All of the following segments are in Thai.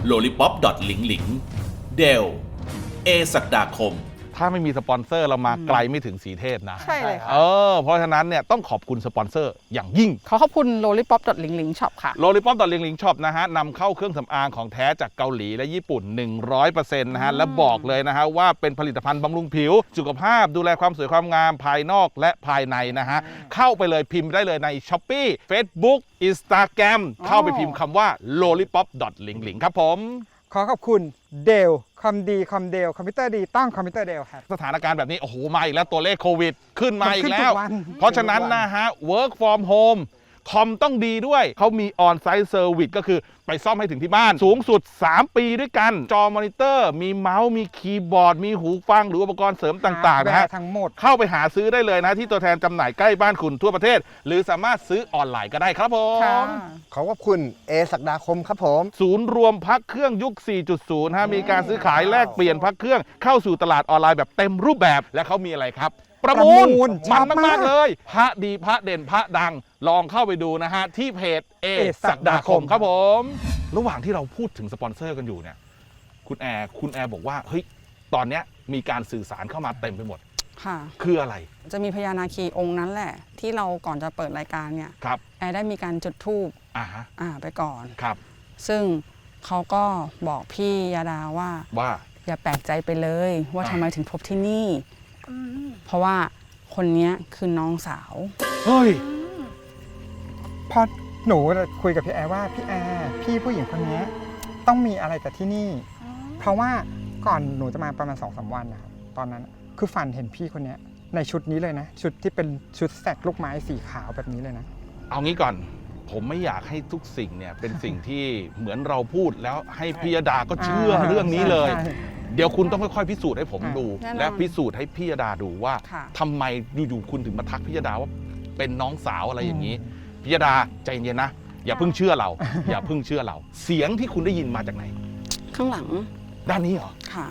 lollipop หลิงหลิงเดลเอศักดาคมถ้าไม่มีสปอนเซอร์เรามาไกลไม่ถึงสีเทพนะใช่เลยค่ะเพราะฉะนั้นเนี่ยต้องขอบคุณสปอนเซอร์อย่างยิ่งขอบคุณ lollipop หลิงหลิงช็อปค่ะ lollipop หลิงหลิงช็อปนะฮะนำเข้าเครื่องสำอางของแท้จากเกาหลีและญี่ปุ่น 100% นะฮะและบอกเลยนะฮะว่าเป็นผลิตภัณฑ์บำรุงผิวสุขภาพดูแลความสวยความงามภายนอกและภายในนะฮะเข้าไปเลยพิมพ์ได้เลยใน Shopee Facebook Instagram เข้าไปพิมพ์คำว่า lollipop หลิงหลิงครับผมขอขอบคุณเดลคอมดีคอมเดลคอมพิวเตอร์ดีต้องคอมพิวเตอร์เดลครับสถานการณ์แบบนี้โอ้โหมาอีกแล้วตัวเลขโควิดขึ้นมาอีกแล้วเพราะฉะนั้นนะฮะ work from home คอมต้องดีด้วยเขามี on-site service ก็คือไปซ่อมให้ถึงที่บ้านสูงสุด3 ปีด้วยกันจอมอนิเตอร์มีเมาส์มีคีย์บอร์ดมีหูฟังหรืออุปกรณ์เสริมต่างๆนะฮะทั้งหมดเข้าไปหาซื้อได้เลยนะที่ตัวแทนจำหน่ายใกล้บ้านคุณทั่วประเทศหรือสามารถซื้อออนไลน์ก็ได้ครับผมขอบคุณเอศักดาคมครับผมศูนย์รวมพักเครื่องยุค 4.0 ฮะมีการซื้อขายแลกเปลี่ยนพักเครื่องเข้าสู่ตลาดออนไลน์แบบเต็มรูปแบบและเขามีอะไรครับประมูลมันมากๆเลยพระดีพระเด่นพระดังลองเข้าไปดูนะฮะที่เพจเอศักดาคมครับผมระหว่างที่เราพูดถึงสปอนเซอร์กันอยู่เนี่ยคุณแอร์บอกว่าเฮ้ยตอนเนี้ยมีการสื่อสารเข้ามาเต็มไปหมดค่ะคืออะไรจะมีพญานาคีองค์นั้นแหละที่เราก่อนจะเปิดรายการเนี่ยครับแอร์ได้มีการจุดธูปไปก่อนครับซึ่งเขาก็บอกพี่ยาดาว่าอย่าแปลกใจไปเลยว่าทำไมถึงพบที่นี่เพราะว่าคนนี้คือน้องสาวเฮ้ยพอหนูคุยกับพี่แอร์ว่าพี่แอร์พี่ผู้หญิงคนนี้ต้องมีอะไรกับที่นี่เพราะว่าก่อนหนูจะมาประมาณ2-3 วันนะครับตอนนั้นคือฝันเห็นพี่คนนี้ในชุดนี้เลยนะชุดที่เป็นชุดแสกลูกไม้สีขาวแบบนี้เลยนะเอางี้ก่อนผมไม่อยากให้ทุกสิ่งเนี่ยเป็นสิ่งที่เหมือนเราพูดแล้วให้พิยดาก็เชื่อเรื่องนี้เลยเดี๋ยวคุณต้องค่อยๆพิสูจน์ให้ผมดูและพิสูจน์ให้พิยดาดูว่าทำไมอยู่ๆคุณถึงมาทักพิยดาว่าเป็นน้องสาวอะไรอย่างนี้พิยดาใจเย็นนะอย่าเพิ่งเชื่อเราอย่าเพิ่งเชื่อเราเสียงที่คุณได้ยินมาจากไหนข้างหลังด้านนี้เหรอค่ะ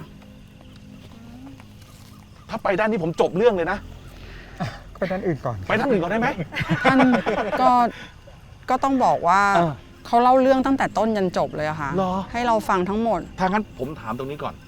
ถ้าไปด้านนี้ผมจบเรื่องเลยนะไปด้านอื่นก่อนไปด้านอื่นก่อนได้ไหมท่านก็ต้องบอกว่าเขาเล่าเรื่องตั้งแต่ต้นยันจบเลยอะค่ะให้เราฟังทั้งหมดถ้างั้นผมถามตรงนี้ก่อน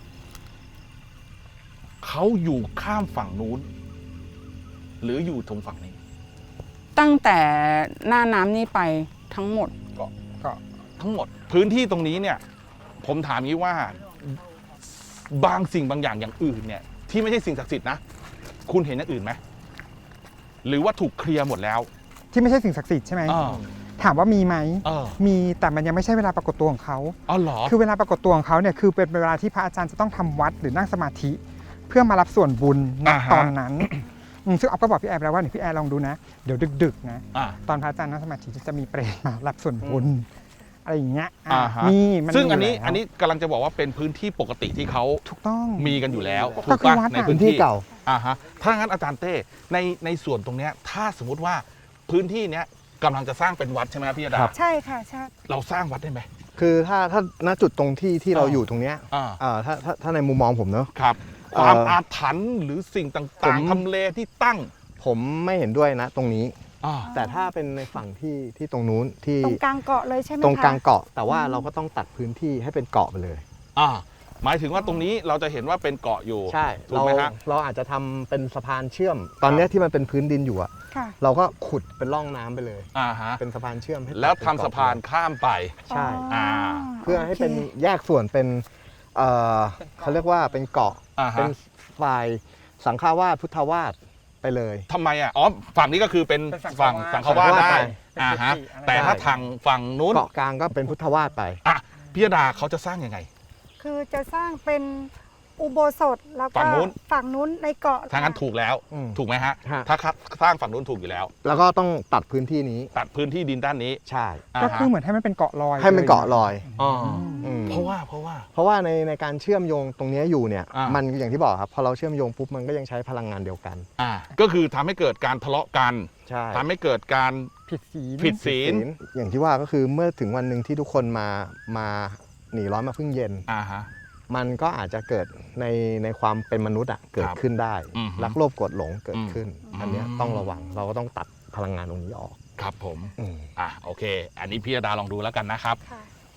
เขาอยู่ข้ามฝั่งนู้นหรืออยู่ตรงฝั่งนี้ตั้งแต่หน้าน้ำนี่ไปทั้งหมดก็ทั้งหมดพื้นที่ตรงนี้เนี่ยผมถามงี้ว่าบางสิ่งบางอย่างอื่นเนี่ยที่ไม่ใช่สิ่งศักดิ์สิทธิ์นะคุณเห็นอย่างอื่นไหมหรือว่าถูกเคลียร์หมดแล้วที่ไม่ใช่สิ่งศักดิ์สิทธิ์ใช่ไหมถามว่ามีไหมมีแต่มันยังไม่ใช่เวลาปรากฏตัวของเขาเหรอคือเวลาปรากฏตัวของเขาเนี่ยคือเป็นเวลาที่พระอาจารย์จะต้องทำวัดหรือนั่งสมาธิเพื่อมารับส่วนบุญณตอนนั้นซึ่งอ๊อฟก็บอกพี่แอร์แล้วว่าพี่แอร์ลองดูนะเดี๋ยวดึกๆนะตอนพระอาจารย์นั่งสมาธิจะมีเปรตมารับส่วนบุญอะไรอย่างเงี้ยมีซึ่งอันนี้กำลังจะบอกว่าเป็นพื้นที่ปกติที่เขาถูกต้องมีกันอยู่แล้วถูกป่ะในพื้นที่เก่าถ้างั้นอาจารย์เต้ในส่วนตรงเนี้ยถ้าสมมติว่าพื้นที่เนี้ยกำลังจะสร้างเป็นวัดใช่ไหมพี่ยดาใช่ค่ะใช่เราสร้างวัดได้ไหมคือถ้าณจุดตรงที่เราอยู่ตรงเนี้ยถ้าในมุมมองผมเนอะครับความอาถรรพ์หรือสิ่งต่างๆทำเลที่ตั้งผมไม่เห็นด้วยนะตรงนี้แต่ถ้าเป็นในฝั่งที่ตรงนู้นที่ตรงกลางเกาะเลยใช่ไหมคะตรงกลางเกาะแต่ว่าเราก็ต้องตัดพื้นที่ให้เป็นเกาะไปเลยหมายถึงว่าตรงนี้เราจะเห็นว่าเป็นเกาะอยู่ใช่ถูกไหมฮะเราอาจจะทำเป็นสะพานเชื่อมตอนนี้ที่มันเป็นพื้นดินอยู่เราก็ขุดเป็นร่องน้ำไปเลยเป็นสะพานเชื่อมให้แล้วทำสะพานข้ามไปใช่เพื่อให้เป็นแยกส่วนเป็นเขาเรียกว่าเป็นเกาะเป็นฝ่ายสังฆวาสพุทธวาสไปเลยทำไมฝั่งนี้ก็คือเป็นฝั่งสังฆวาสได้แต่ถ้าทางฝั่งนู้นเกาะกลางก็เป็นพุทธวาสไปพิยดาเขาจะสร้างยังไงคือจะสร้างเป็นอุโบสถแล้วก็ฝั่งนู้นในเกาะทางนั้นถูกแล้วถูกไหมฮะถ้าสร้างฝั่งนู้นถูกอยู่แล้วแล้วก็ต้องตัดพื้นที่นี้ตัดพื้นที่ดินด้านนี้ใช่ก็คือเหมือนให้มันเป็นเกาะลอยให้มันเกาะลอยเพราะว่าในการเชื่อมโยงตรงนี้อยู่เนี่ยมันอย่างที่บอกครับพอเราเชื่อมโยงปุ๊บมันก็ยังใช้พลังงานเดียวกันก็คือทำให้เกิดการทะเลาะกันทำให้เกิดการผิดศีลอย่างที่ว่าก็คือเมื่อถึงวันหนึ่งที่ทุกคนมาหนีร้อนมาพึ่งเย็นมันก็อาจจะเกิดในความเป็นมนุษย์เกิดขึ้นได้รักโลภโกรธหลงเกิดขึ้นอันนี้ต้องระวังเราก็ต้องตัดพลังงานตรงนี้ออกครับผมโอเคอันนี้พี่ยดาลองดูแล้วกันนะครับ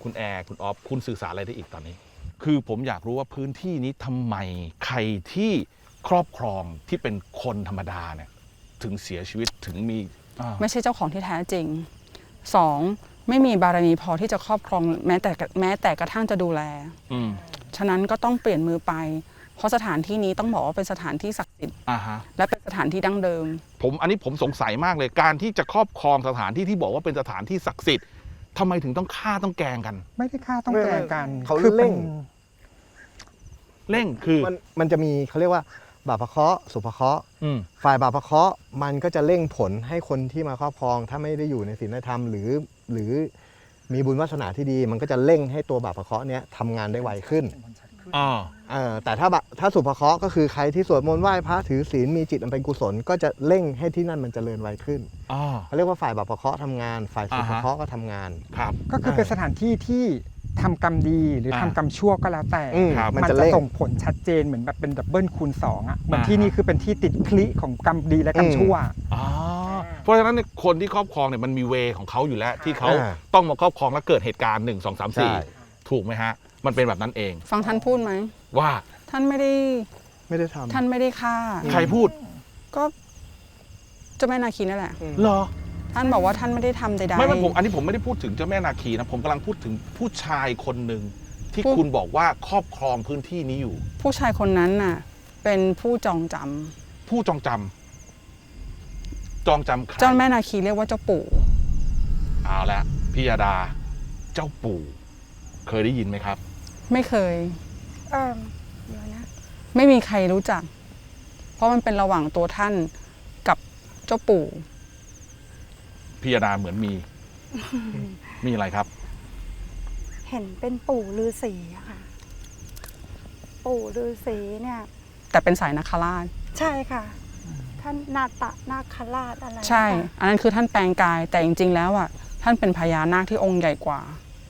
คุณแอร์คุณออฟคุณสื่อสารอะไรได้อีกตอนนี้ คือผมอยากรู้ว่าพื้นที่นี้ทำไมใครที่ครอบครองที่เป็นคนธรรมดาเนี่ยถึงเสียชีวิตถึงมีไม่ใช่เจ้าของที่แท้จริง 2. ไม่มีบารมีพอที่จะครอบครองแม้แต่กระทั่งจะดูแลฉะนั้นก็ต้องเปลี่ยนมือไปเพราะสถานที่นี้ต้องบอกว่าเป็นสถานที่ศักดิ์สิทธิ์และเป็นสถานที่ดั้งเดิมอันนี้ผมสงสัยมากเลยการที่จะครอบครองสถานที่ที่บอกว่าเป็นสถานที่ศักดิ์สิทธิ์ทำไมถึงต้องฆ่าต้องแกล้งกันไม่ได้ฆ่าต้องแกล้งกันเขาเร่งคือมันจะมีเขาเรียกว่าบาปเคราะห์สุภเคราะห์ฝ่ายบาปเคราะห์มันก็จะเร่งผลให้คนที่มาครอบครองถ้าไม่ได้อยู่ในศีลธรรมหรือมีบุญวาสนาที่ดีมันก็จะเร่งให้ตัวบาปเคราะห์เนี้ยทำงานได้ไวขึ้นแต่ถ้าสุภเคราะห์ก็คือใครที่สวดมนต์ไหว้พระถือศีลมีจิตอันเป็นกุศลก็จะเร่งให้ที่นั่นมันเจริญไวขึ้นเขาเรียกว่าฝ่ายบาปเคราะห์ทำงานฝ่ายสุภเคราะห์ก็ทำงานครับก็คือเป็นสถานที่ที่ทำกรรมดีหรือทำกรรมชั่วก็แล้วแต่มันจะส่งผลชัดเจนเหมือนแบบเป็นดับเบิลคูณ2อ่ะเหมือนที่นี่คือเป็นที่ติดคลิของกรรมดีและกรรมชั่วเพราะฉะนั้นคนที่ครอบครองเนี่ยมันมีเวของเขาอยู่แล้วที่เขาต้องมาครอบครองแล้วเกิดเหตุการณ์1 2 3 4ถูกไหมฮะมันเป็นแบบนั้นเองฟังท่านพูดไหมว่าท่านไม่ได้ทำท่านไม่ได้ฆ่าใครพูดก็เจ้าแม่นาคีนั่นแหละเหรอท่านบอกว่าท่านไม่ได้ทำใดๆไม่อันนี้ผมไม่ได้พูดถึงเจ้าแม่นาคีนะผมกำลังพูดถึงผู้ชายคนหนึ่งที่คุณบอกว่าครอบครองพื้นที่นี้อยู่ผู้ชายคนนั้นน่ะเป็นผู้จองจำผู้จองจำใครเจ้าแม่นาคีเรียกว่าเจ้าปู่เอาละพี่ยาดาเจ้าปู่เคยได้ยินไหมครับไม่เคยเดี๋ยวนะไม่มีใครรู้จักเพราะมันเป็นระหว่างตัวท่านกับเจ้าปู่พี่ยาดาเหมือนมีอะไรครับเห็นเป็นปู่ฤาษีอะค่ะปู่ฤาษีเนี่ยแต่เป็นสายนาคราชใช่ค่ะท่านนาคราชอะไรใช่อันนั้นคือท่านแปลงกายแต่จริงๆแล้วอ่ะท่านเป็นพญานาคที่องค์ใหญ่กว่า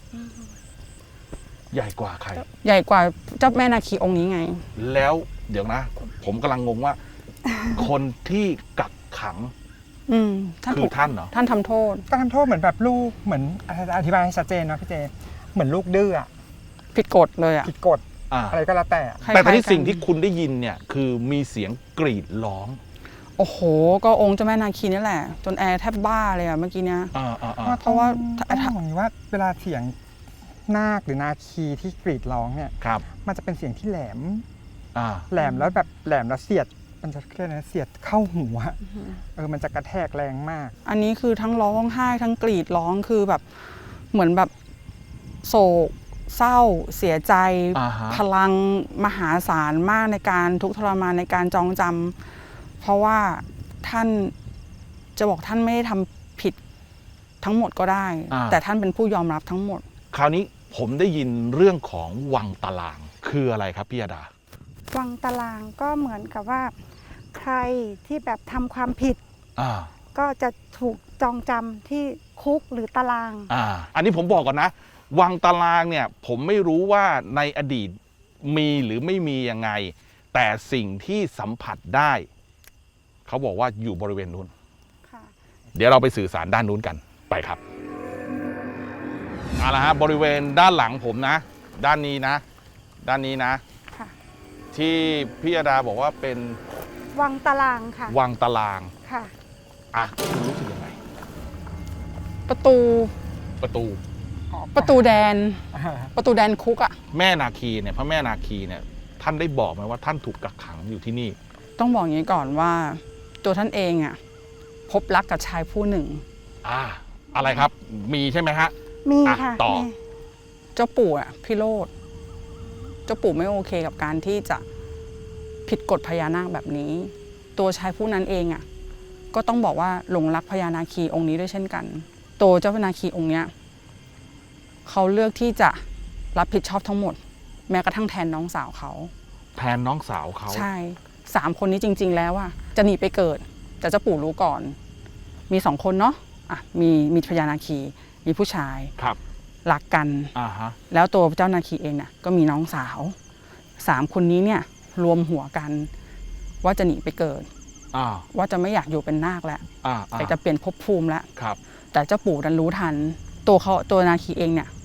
ใหญ่กว่าใครใหญ่กว่าเจ้าแม่นาคีองค์นี้ไงแล้วเดี๋ยวนะผมกำลังงงว่า คนที่กักขังคือท่านเหรอท่านทำโทษก็ทำโทษเหมือนแบบลูกเหมือนอธิบายให้ชัดเจนนะพี่เจเหมือนลูกดื้อผิดกฎเลยผิดกฎอะไรก็แล้วแต่ตอนนี้สิ่งที่คุณได้ยินเนี่ยคือมีเสียงกรีดร้องโอ้โหก็องค์เจ้าแม่นาคีนี่แหละจนแอร์แทบบ้าเลยอะเมื่อกี้เนี้ยเพราะว่าอย่างนี้ว่าเวลาเสียงนาคหรือนาคีที่กรีดร้องเนี่ยมันจะเป็นเสียงที่แหลมแล้วแบบแหลมแล้วเสียดมันจะเรียกนะเสียดเข้าหัวมันจะกระแทกแรงมากอันนี้คือทั้งร้องไห้ทั้งกรีดร้องคือแบบเหมือนแบบโศกเศร้าเสียใจพลังมหาศาลมากในการทุกข์ทรมานในการจองจำเพราะว่าท่านจะบอกท่านไม่ได้ทำผิดทั้งหมดก็ได้แต่ท่านเป็นผู้ยอมรับทั้งหมดคราวนี้ผมได้ยินเรื่องของวังตารางคืออะไรครับพี่ยาดาวังตารางก็เหมือนกับว่าใครที่แบบทำความผิดก็จะถูกจองจำที่คุกหรือตารางอันนี้ผมบอกก่อนนะวังตารางเนี่ยผมไม่รู้ว่าในอดีตมีหรือไม่มียังไงแต่สิ่งที่สัมผัสได้เขาบอกว่าอยู่บริเวณนู้นเดี๋ยวเราไปสื่อสารด้านนู้นกันไปครับเอาละฮะบริเวณด้านหลังผมนะด้านนี้นะที่พี่ยาดาบอกว่าเป็นวังตารางค่ะวังตารางค่ะคุณรู้สึกยังไงประตูแดนคุกอะแม่นาคีเนี่ยพระแม่นาคีเนี่ยท่านได้บอกไหมว่าท่านถูกกักขังอยู่ที่นี่ต้องบอกอย่างนี้ก่อนว่าตัวท่านเองอะพบรักกับชายผู้หนึ่งอะไรครับมีใช่ไหมฮะมีค่ะต่อเจ้าปู่อะพี่โรจน์เจ้าปู่ไม่โอเคกับการที่จะผิดกฎพญานาคแบบนี้ตัวชายผู้นั้นเองอะก็ต้องบอกว่าหลงรักพญานาคีองค์นี้ด้วยเช่นกันตัวเจ้าพญานาคีองค์เนี้ยเขาเลือกที่จะรับผิดชอบทั้งหมดแม้กระทั่งแทนน้องสาวเขาใช่3คนนี้จริงๆแล้วอะจะหนีไปเกิดแต่เจ้าปู่รู้ก่อนมี2คนเนาะมีพญานาคีมีผู้ชายรักกันแล้วตัวเจ้านาคีเองเนี่ยก็มีน้องสาว3คนนี้เนี่ยรวมหัวกันว่าจะหนีไปเกิดว่าจะไม่อยากอยู่เป็นนาคแล้วแต่จะเปลี่ยนภพภูมิแล้วแต่เจ้าปู่ดันรู้ทันตัวนาคีเองเนี่ย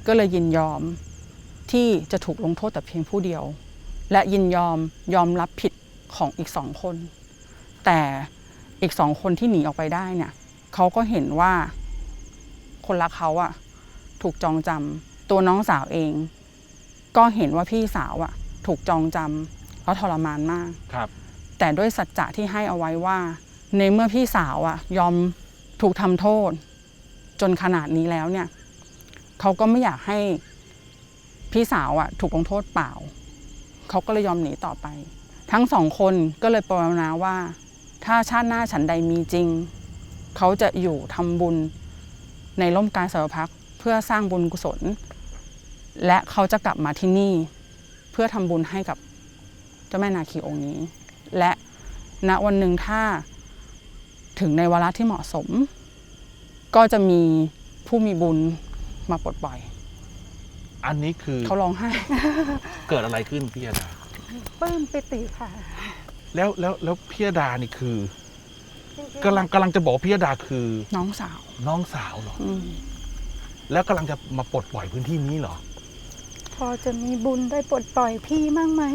ก็เลยยินยอมที่จะถูกลงโทษแต่เพียงผู้เดียว และยินยอมรับผิดของอีก2 คน แต่อีก2 คนที่หนีออกไปได้เนี่ยเขาก็เห็นว่าคนรักเขาอะถูกจองจำตัวน้องสาวเองก็เห็นว่าพี่สาวอะถูกจองจำแล้วทรมานมากครับแต่ด้วยสัจจะที่ให้เอาไว้ว่าในเมื่อพี่สาวอะยอมถูกทำโทษจนขนาดนี้แล้วเนี่ยเขาก็ไม่อยากให้พี่สาวอะถูกลงโทษเปล่าเขาก็เลยยอมหนีต่อไปทั้ง2 คนก็เลยปรารถนาว่าถ้าชาติหน้าฉันใดมีจริงเขาจะอยู่ทำบุญในร่มกาสาวพักเพื่อสร้างบุญกุศลและเขาจะกลับมาที่นี่เพื่อทำบุญให้กับเจ้าแม่นาคีองค์นี้และณวันหนึ่งถ้าถึงในวาระที่เหมาะสมก็จะมีผู้มีบุญมาปลดปล่อยอันนี้คือเขาร้องไห้เกิดอะไรขึ้นพี่ยดาปลื้มปิติค่ะแล้วพี่ยดานี่คือกำลังจะบอกพี่ยดาคือน้องสาวเหรอแล้วกำลังจะมาปลดปล่อยพื้นที่นี้เหรอพอจะมีบุญได้ปลดปล่อยพี่มั่งไหม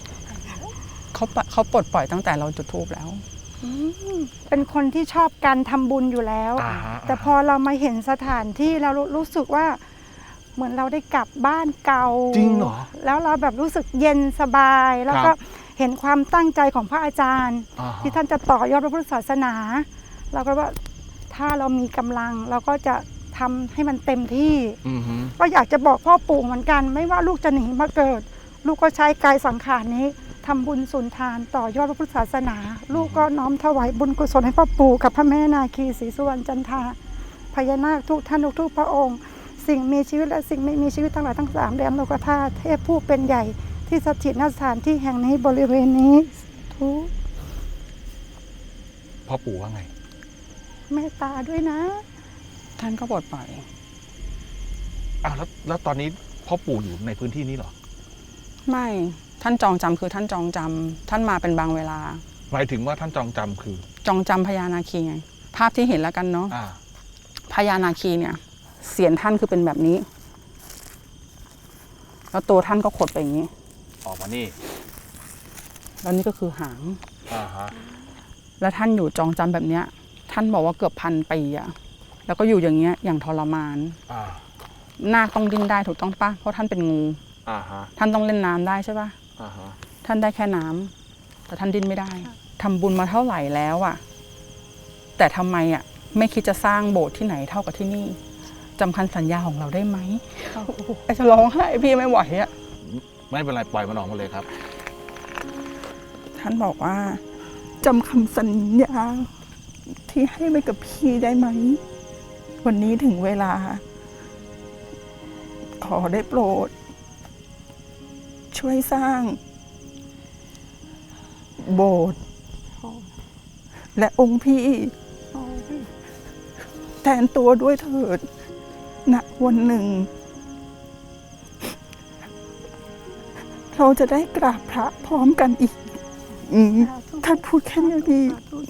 เขาปลดปล่อยตั้งแต่เราจุดธูปแล้วเป็นคนที่ชอบการทำบุญอยู่แล้วแต่พอเรามาเห็นสถานที่เรารู้สึกว่าเหมือนเราได้กลับบ้านเก่าจริงเหรอแล้วเราแบบรู้สึกเย็นสบายแล้วก็เห็นความตั้งใจของพระอาจารย์ที่ท่านจะต่อยอดพระพุทธศาสนาเราก็ว่าถ้าเรามีกำลังเราก็จะทำให้มันเต็มที่ก็อยากจะบอกพ่อปู่เหมือนกันไม่ว่าลูกจะหนีมาเกิดลูกก็ใช้กายสังขารนี้ทำบุญสุนทานต่อยอดพระพุทธศาสนาลูกก็น้อมถวายบุญกุศลให้พ่อปู่กับพระแม่นาคีศรีสุวรรณจันทราพญานาคทุกท่านทุกพระองค์สิ่งมีชีวิตและสิ่งไม่มีชีวิตทั้งหลายทั้ง3แดนโลกธาตุเทพผู้เป็นใหญ่ที่สถิตณสถานที่แห่งนี้บริเวณนี้ทุกพ่อปู่ว่าไงเมตตาด้วยนะท่านก็ปลดปล่อยแล้วตอนนี้พ่อปู่อยู่ในพื้นที่นี้เหรอไม่ท่านจองจำคือท่านจองจำท่านมาเป็นบางเวลาหมายถึงว่าท่านจองจำคือจองจำพญานาคีไงภาพที่เห็นแล้วกันเนาะพญานาคีเนี่ยเสียนท่านคือเป็นแบบนี้แล้วตัวท่านก็ขดไปอย่างนี้ออกมานี่แล้วนี่ก็คือหางแล้วท่านอยู่จองจำแบบเนี้ยท่านบอกว่าเกือบ1,000 ปีอะแล้วก็อยู่อย่างเงี้ยอย่างทรมานนาคต้องดิ้นได้ถูกต้องปะเพราะท่านเป็นงูท่านต้องเล่นน้ำได้ใช่ปะท่านได้แค่น้ำแต่ท่านดิ้นไม่ได้ทำบุญมาเท่าไหร่แล้วอะแต่ทำไมอะไม่คิดจะสร้างโบสถ์ที่ไหนเท่ากับที่นี่จำคำสัญญาของเราได้ไหมไอ้จะร้องไห้พี่ไม่ไหวอะไม่เป็นไรปล่อยมันออกมาเลยครับท่านบอกว่าจำคำสัญญาที่ให้ไว้กับพี่ได้ไหมวันนี้ถึงเวลาขอได้โปรดช่วยสร้างโบสถ์และองค์พี่แทนตัวด้วยเถิดณวันหนึ่งเราจะได้กราบพระพร้อมกันอีกท่านพูดแค่นี้ดี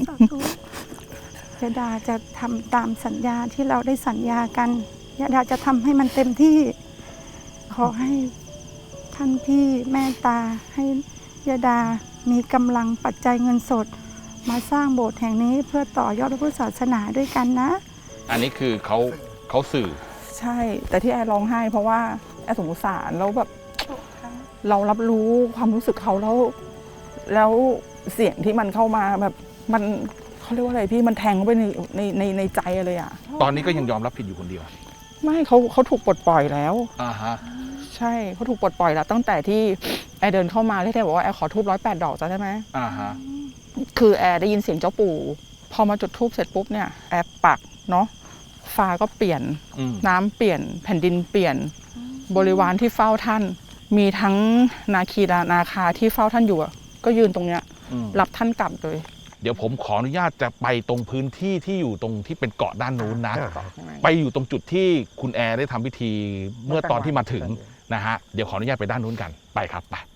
ยดาจะทำตามสัญญาที่เราได้สัญญากันยดาจะทำให้มันเต็มที่ขอให้ท่านพี่แม่ตาให้ยดามีกำลังปัจจัยเงินสดมาสร้างโบสถ์แห่งนี้เพื่อต่อยอดพระพุทธศาสนาด้วยกันนะอันนี้คือเขาสื่อใช่แต่ที่แอร์ร้องไห้เพราะว่าแอร์สงสารแล้วแบบเรารับรู้ความรู้สึกเขาแล้วเสียงที่มันเข้ามาแบบมันเขาเรียกว่าอะไรพี่มันแทงเข้าไปในใจเลยอ่ะตอนนี้ก็ยังยอมรับผิดอยู่คนเดียวไม่เขาถูกปลดปล่อยแล้วใช่เขาถูกปลดปล่อยแล้วตั้งแต่ที่แอร์เดินเข้ามาแล้วแอร์บอกว่าแอร์ขอทูบ108 ดอกใช่ไหมคือแอร์ได้ยินเสียงเจ้าปู่พอมาจุดทูบเสร็จปุ๊บเนี่ยแอร์ปักเนาะฟ้าก็เปลี่ยนน้ำเปลี่ยนแผ่นดินเปลี่ยนบริวารที่เฝ้าท่านมีทั้งนาคีนาคาที่เฝ้าท่านอยู่ก็ยืนตรงเนี้ยรับท่านกลับเลยเดี๋ยวผมขออนุญาตจะไปตรงพื้นที่ที่อยู่ตรงที่เป็นเกาะด้านนู้นนะไปอยู่ตรงจุดที่คุณแอร์ได้ทำพิธีเมื่อตอนที่มาถึงนะฮะเดี๋ยวขออนุญาตไปด้านนู้นกันไปครับไป